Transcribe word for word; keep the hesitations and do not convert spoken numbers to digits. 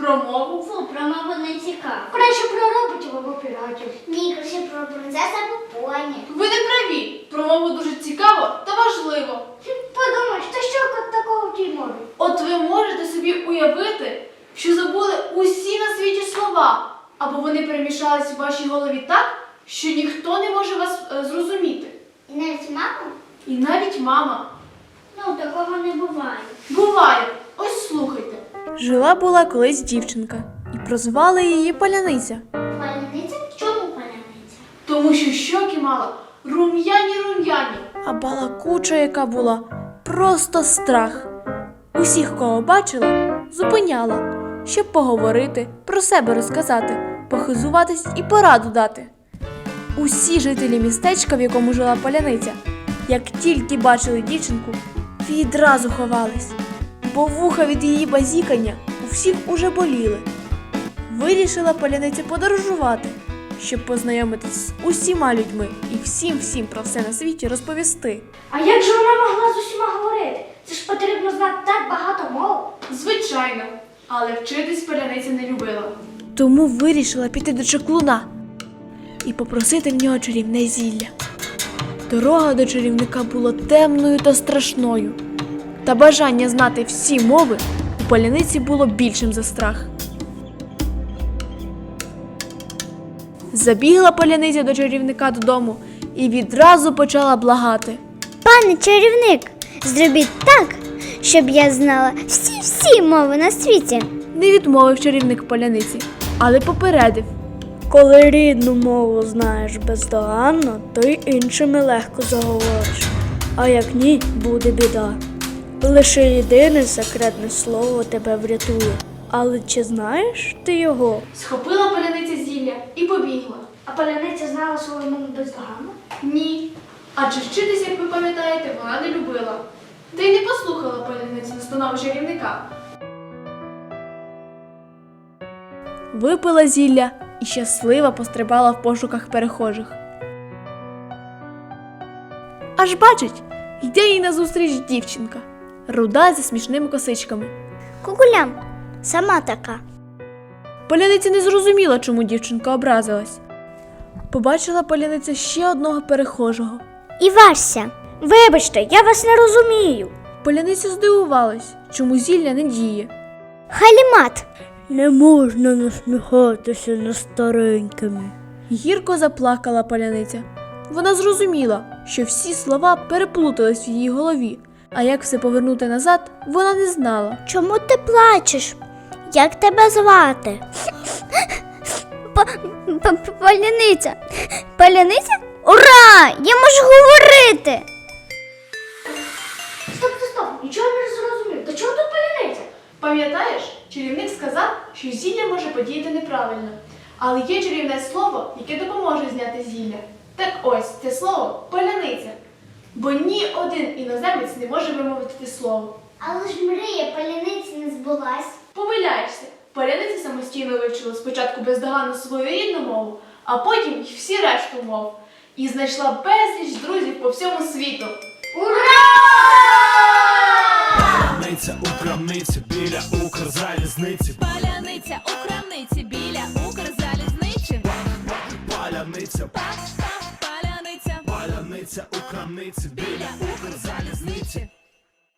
Про мову? Фу, про мову не цікаво. Краще про роботів або піратів. Ні, краще про принцес або поні. Ви не праві. Про мову дуже цікаво та важливо. Подумаєш, та що такого в тій мові? От ви можете собі уявити, що забули усі на світі слова, або вони перемішались у вашій голові так, що ніхто не може вас е, зрозуміти. І навіть мама? І навіть мама. Ну, такого не буває. Буває. Ось слухайте. Жила-була колись дівчинка, і прозвали її Паляниця. Паляниця? Чому паляниця? Тому що щоки мала рум'яні-рум'яні. А балакуча, яка була, просто страх. Усіх, кого бачила, зупиняла, щоб поговорити, про себе розказати, похизуватись і пораду дати. Усі жителі містечка, в якому жила Паляниця, як тільки бачили дівчинку, відразу ховались, бо вуха від її базікання у всіх уже боліли. Вирішила Паляниця подорожувати, щоб познайомитись з усіма людьми і всім-всім про все на світі розповісти. А як же вона могла з усіма говорити? Це ж потрібно знати так багато мов. Звичайно, але вчитись Паляниця не любила. Тому вирішила піти до чаклуна і попросити в нього чарівне зілля. Дорога до чарівника була темною та страшною, та бажання знати всі мови у Паляниці було більшим за страх. Забігла Паляниця до чарівника додому і відразу почала благати. Пане чарівник, зробіть так, щоб я знала всі-всі мови на світі. Не відмовив чарівник Паляниці, але попередив. Коли рідну мову знаєш бездоганно, то й іншими легко заговориш. А як ні, буде біда. Лише єдине секретне слово тебе врятує. Але чи знаєш ти його? Схопила Паляниця зілля і побігла. А паляниця знала свою мову бездоганно? Ні. Адже вчитися, як ви пам'ятаєте, вона не любила. Та й не послухала Паляницю настанови чарівника. Випила зілля і щасливо пострибала в пошуках перехожих. Аж бачить, йде їй назустріч дівчинка, руда зі смішними косичками. Кукулям, сама така. Паляниця не зрозуміла, чому дівчинка образилась. Побачила Паляниця ще одного перехожого. І Вася. Вибачте, я вас не розумію. Паляниця здивувалась, чому зілля не діє. Халімат. Не можна насміхатися над старенькими. Гірко заплакала Паляниця. Вона зрозуміла, що всі слова переплутались в її голові, а як все повернути назад, вона не знала. Чому ти плачеш? Як тебе звати? Паляниця. Паляниця? Ура! Я можу говорити! Стоп, стоп, стоп, нічого не зрозумів. До чого тут паляниця? Пам'ятаєш, чарівник сказав, що зілля може подіяти неправильно. Але є чарівне слово, яке допоможе зняти зілля. Так ось, це слово – паляниця. Бо ні один іноземець не може вимовити те слово. Але ж мрія паляниці не збулась. Помиляєшся. Паляниця самостійно вивчила спочатку бездоганно свою рідну мову, а потім й всі решту мов. І знайшла безліч друзів по всьому світу. Паляниця у крамниці біля Укрзалізниці. Паляниця у крамниці біля Укрзалізниці. Паляниця, Паляниця паляниця у крамниці біля Укрзалізниці.